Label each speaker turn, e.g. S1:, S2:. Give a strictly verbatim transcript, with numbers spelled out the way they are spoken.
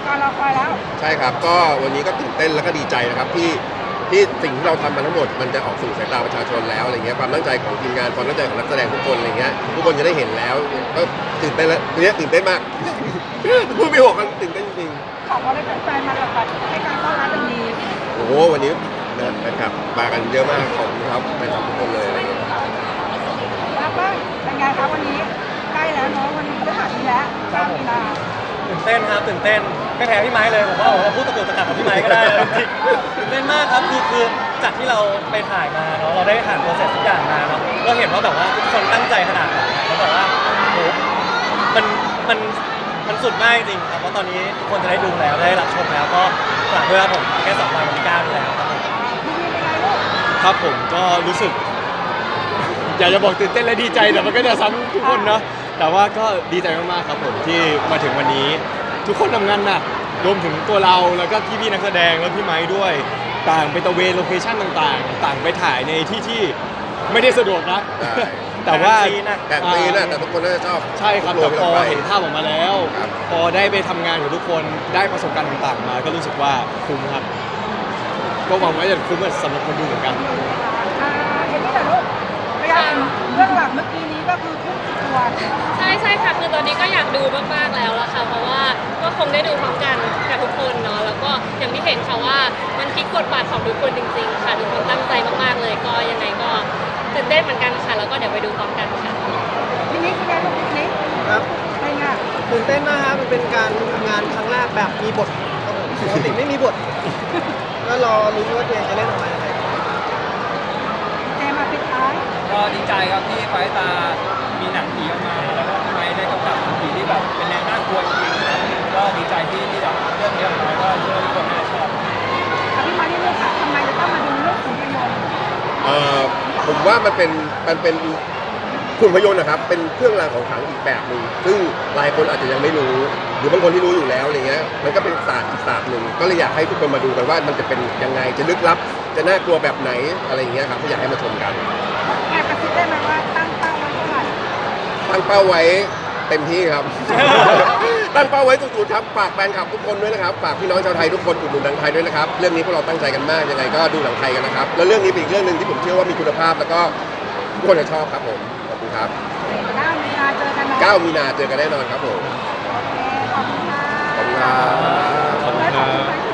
S1: การรอคอยแล้ว
S2: ใช่ครับก็วันนี้ก็ตื่นเต้นแล้วก็ดีใจนะครับที่ที่สิ่งที่เราทำมาทั้งหมดมันจะออกสู่สายตาประชาชนแล้วอะไรเงี้ยความตั้งใจของทีมงานความตั้งใจของนักแสดงทุกคนอะไรเงี้ยทุกคนจะได้เห็นแล้วก็ตื่นเต้นแล้วเนี้ยตื่นเต้นมากพูดไม่ออกกันตื่นเต้นจริง
S1: ของเราได้แฟนๆมาแบบให้การต้อนรับเป็นดี
S2: โอ้โหวันนี้นะครับมากันเยอะมากขอบคุณครับไปทำทุกคนเลยอะไรเงี้ย
S1: แล้วก็เป็นไงครับวันนี้ใกล้แล้วเนาะวันนี้พฤหัสนี้แล้วเก้ามีนา
S3: ตื่นเต้นครับตื่นเต้นไม่แพ้พี่ไม้เลยผมว่าผมว่าพูดตะกุกตะกักกับพี่ไม้ก็ได้เลยจริงๆตื่นเต้นมากครับคือคือจากที่เราไปถ่ายมาเนาะเราได้ผ่านโปรเซสทุกอย่างมาเนาะเราเห็นว่าแบบว่าทุกคนตั้งใจขนาดไหนแล้วแบบว่าโหมันมันมันสุดมากจริงครับเพราะตอนนี้ทุกคนจะได้ดูแล้วได้รับชมแล้วก็ฝากด้วยครับผมแค่สองวันวันที่เก้านี่แล้วครับผม
S1: พี่มีเป็นไงลูก
S4: ครับผมก็รู้สึก อยากจะบอกตื่นเต้นและดีใจแต่มันก็จะซ้ำทุกคนเนาะแต่ว่าก็ดีใจมากๆครับผมที่มาถึงวันนี้ทุกคนทำงานหนักรวมถึงตัวเราแล้วก็พี่ๆนักแสดงแล้วพี่ไม้ด้วยต่างไปตะเวนโลเคชั่นต่างๆ ต่างไปถ่ายในที่ที่ไม่ได้สะดวกนะ
S2: ใช่
S4: แต่ว่า
S2: แต่ตีนะแต่ทุกคนน่าจะชอบ
S4: ใช่ครับแต่พอเห็นภาพออกมาแล้ว
S2: ครับ
S4: พอได้ไปทำงานกับทุกคนได้ประสบการณ์ต่างๆมาก็รู้สึกว่าคุ้มครับ ก็หวังว่าจะคุ้มสำหรับคนดูเหมือนกัน
S1: อ่าเห็นนี่แหละลูกพยายามเรื่องหลังเมื่อกี้นี้ก็คือทุ่มสุดตัว
S5: ใช่ใช่ค่ะคือตอนนี้ก็อยากดูมากๆแล้วล่ะค่ะเพราะว่าก็คงได้ดูพร้อมกันกับทุกคนเนาะแล้วก็อย่างที่เห็นค่ะว่ามันพลิกบทบาทของทุกคนจริงๆค่ะทุกคนตั้งใจมากๆเลยก็ยังไงก็ตื่นเต้นเหมือนกันค่ะแล้วก็เดี๋ยวไปดูพร้อมกันค่ะ
S1: พี่นิกเป็นไงลูกพี่นิก
S3: ครับ
S1: เป็นไง
S3: ตื่นเต้นมากครับมันเป็นการทำงานครั้งแรกแบบมีบทครับผมปกติไม่มีบทก็รอลุ้นว่าตัวเองจะเล่นออกมายังไง
S1: เจมาปิดท้าย
S6: ก็ดีใจครับที่ไฟตา มีหนังผีออกมา แล้วก็พี่ไม้ได้กำกับหนังผีที่แบบเป็นแนวน่ากลัวจริงๆครับ ก็ดีใจที่ที่แบบเรื่องนี้ออกมาก็เชื่อว่าทุกคนน่าจะชอบ
S1: ค่ะพี่มาที่ลูกค่ะทำไมจะต้องมาดูเรื่องขุนพยนต์
S2: เอ่อผมว่ามันเป็นมันเป็นหุ่นพยนต์นะครับเป็นเครื่องรางของขลังอีกแบบหนึ่งซึ่งหลายคนอาจจะยังไม่รู้ หรือบางคนที่รู้อยู่แล้วอะไรเงี้ยมันก็เป็นศาสตร์อีกศาสตร์หนึ่งก็เลยอยากให้ทุกคนมาดูกันว่ามันจะเป็นยังไงจะลึกลับจะน่ากลัวแบบไหนอะไรเงี้ยครับก็อยากให้มาชมกัน
S1: แอบกระซิบได้ไหมว่าตั้งเป้าไว้เท่าไหร่
S2: ตั้งเป้าไว้เต็มที่ครับ ตั้งเป้าไว้สุดๆครับฝากแฟนคลับทุกคนด้วยนะครับฝากพี่น้องชาวไทยทุกคนอุดหนุนหนังไทยด้วยนะครับเรื่องนี้พวกเราตั้งใจกันมากยังไงก็ดูหนังไทยกันนะครับแล้วเรื่องนี้เป็นอีกเรื่องหนึ่งที่ผมเชื่อว่ามีคุณภาพแล้วก็ทุกคนจะชอบครับผมขอบคุณครับ
S1: เก้ามีนาเจอกันเนาะ
S2: เก้ามีนาเจอกันแน่นอนครับผม
S1: โอเคขอบคุณค่ะ
S2: ขอบคุณครับ
S4: ขอบคุณครับ